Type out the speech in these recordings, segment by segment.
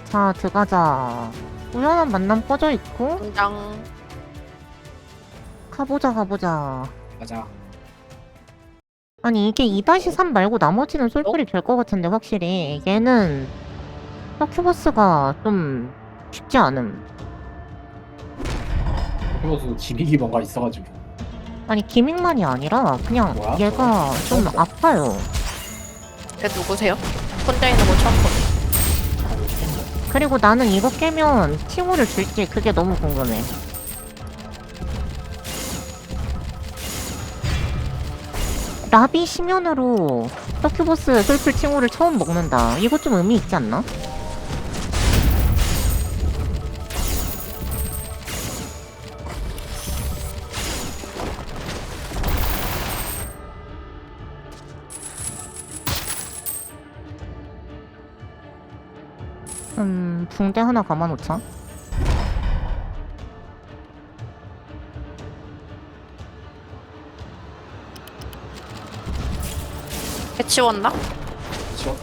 자, 들어가자. 우연한 만남 꺼져 있고, 당장 가보자. 맞아. 아니, 이게 2-3 말고 나머지는 솔플이 될 것 같은데, 확실히. 얘는, 서큐버스가 좀 쉽지 않음. 그래서 기믹이 뭔가 있어가지고. 아니, 기믹만이 아니라, 그냥 뭐야? 얘가 좀 뭐야? 아파요. 걔 누구세요? 혼자 있는 거 처음 보네. 그리고 나는 이거 깨면 칭호를 줄지, 그게 너무 궁금해. 나비 심연으로 서큐버스 솔플 칭호를 처음 먹는다. 이거 좀 의미 있지 않나? 붕대 하나 감아놓자. 걔 치웠나? 지웠다.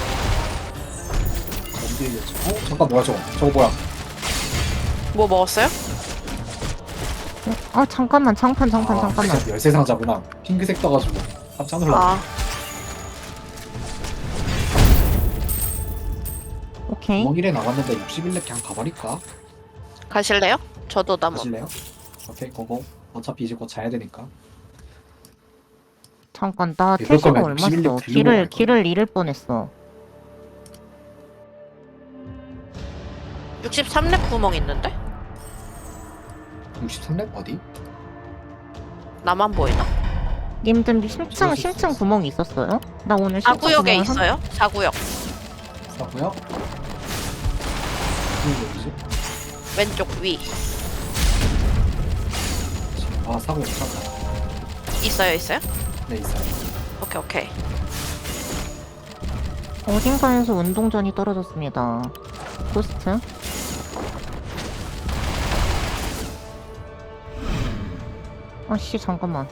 어디겠지? 잠깐 뭐야 저거? 저거 뭐야? 뭐 먹었어요? 잠깐만, 잠깐만. 열쇠 상자구나. 핑크색 떠가지고 깜짝 놀랐네. 아, 오케이. 구멍 1에 남았는데 61렙 그냥 가버릴까? 가실래요? 저도 나무. 하실래요? 오케이 고고. 어차피 이제 곧 자야 되니까. 잠깐, 나 이럴 태시가 거면 얼마 61 써? 들고 갈 길을 잃을 뻔했어. 63렙 구멍 있는데? 63렙 어디? 나만 보이나? 님들 심층 구멍이 있었어요? 나 오늘 심층 사구역에 구멍을 있어요? 사구역. 사고요? 무슨 얘기지? 왼쪽 위. 아 사고 괜찮다. 있어요? 네 있어요. 오케이. 어딘가에서 운동전이 떨어졌습니다. 고스트? 아씨, 잠깐만.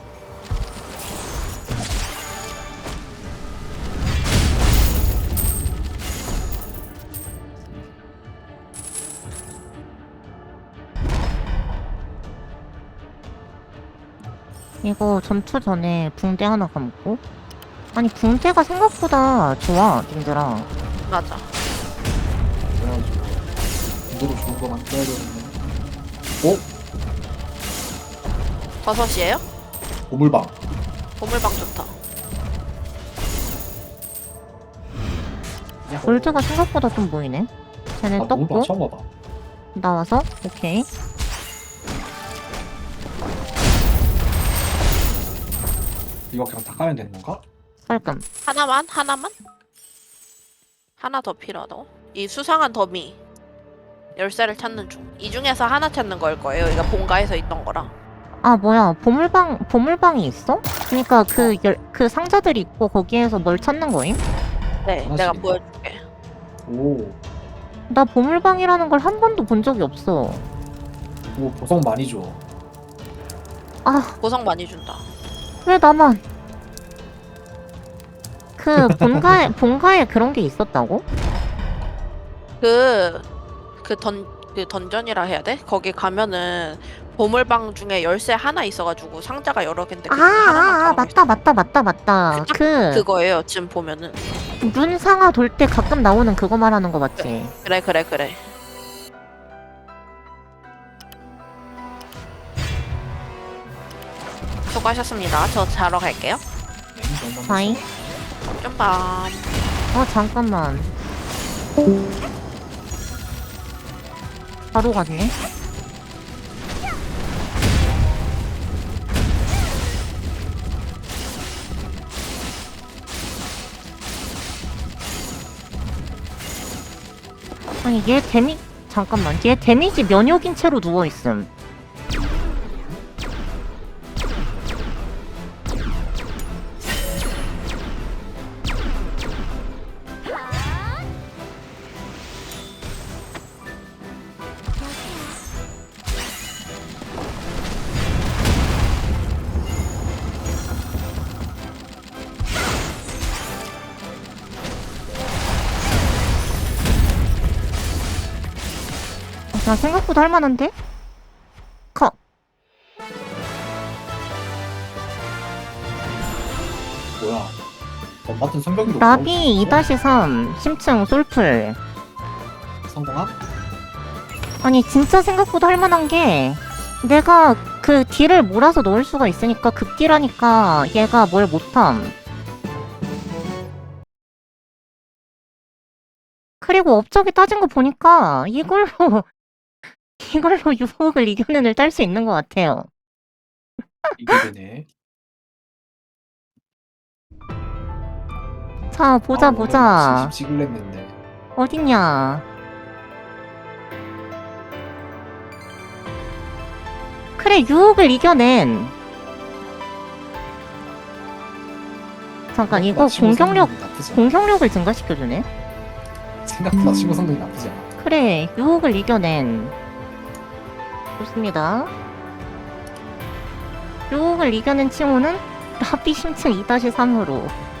이거 전투 전에 붕대 하나 감고. 아니, 붕대가 생각보다 좋아, 님들아. 맞아. 그래가지고 이대로 좋은 거 만들어야 되는데. 오? 버섯이에요? 보물방. 보물방 좋다. 골드가 생각보다 좀 보이네. 쟤네 보물방 떴고, 처음 봐봐. 나와서, 오케이. 이거 그냥 다 까면 되는 건가? 깔끔. 하나만? 하나 더 필요하다고? 이 수상한 더미. 열쇠를 찾는 중. 이 중에서 하나 찾는 걸 거예요. 이거 본가에서 있던 거랑. 아, 뭐야, 보물방이 있어? 그니까 그 상자들이 있고, 거기에서 뭘 찾는 거임? 네, 하나씩 내가 있네. 보여줄게. 오. 나 보물방이라는 걸 한 번도 본 적이 없어. 오 보석 많이 줘. 아, 보석 많이 준다. 왜 나만? 그 본가에 그런 게 있었다고? 그 던전이라 해야 돼? 거기 가면은 보물방 중에 열쇠 하나 있어가지고 상자가 여러 갠데 그 중에 하나만 맞다. 그거예요. 지금 보면은. 눈상아 돌 때 가끔 나오는 그거 말하는 거 맞지? 그래. 수고하셨습니다. 저 자러 갈게요. 자이? 좀밤. 잠깐만. 바로 갔네. 아니, 잠깐만. 얘 데미지 면역인 채로 누워있음. 야, 생각보다 할만한데? 컷. 뭐야? 같은 성병도 나비 2-3 심층 솔플. 성공함? 아니 진짜 생각보다 할만한 게 내가 그 딜을 몰아서 넣을 수가 있으니까 급딜하니까 얘가 뭘 못함. 그리고 업적이 따진 거 보니까 이걸로 유혹을 이겨낸 을 딸 수 있는 것 같아요. 이게 되네. 자 보자. 70 찍을랬는데. 어딨냐. 그래 유혹을 이겨낸. 잠깐 이거 공격력을 증가시켜주네. 생각보다 친구 성능이 나쁘지 않아. 그래 유혹을 이겨낸. 좋습니다. 유혹을 이겨낸 칭호는 나비 심층 2-3으로